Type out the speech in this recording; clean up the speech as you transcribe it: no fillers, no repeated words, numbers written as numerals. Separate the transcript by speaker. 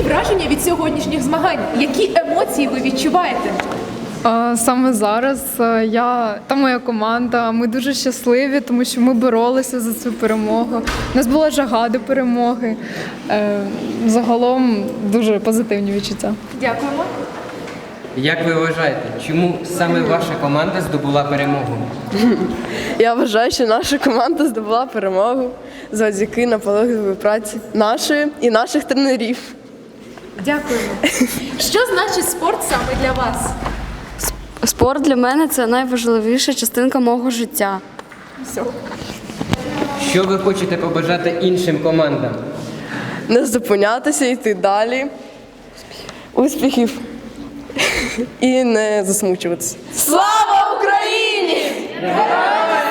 Speaker 1: враження від сьогоднішніх змагань? Які емоції ви відчуваєте?
Speaker 2: Саме зараз я та моя команда, ми дуже щасливі, тому що ми боролися за цю перемогу. У нас була жага до перемоги. Загалом дуже позитивні відчуття.
Speaker 1: Дякуємо.
Speaker 3: Як ви вважаєте, чому саме ваша команда здобула перемогу?
Speaker 4: Я вважаю, що наша команда здобула перемогу завдяки наполегливій праці нашої і наших тренерів.
Speaker 1: Дякуємо. Що значить спорт саме для вас?
Speaker 5: Спорт для мене – це найважливіша частинка мого життя.
Speaker 3: Що ви хочете побажати іншим командам?
Speaker 4: Не зупинятися, йти далі. Успіхів. І не засмучуватися. Слава Україні! Героям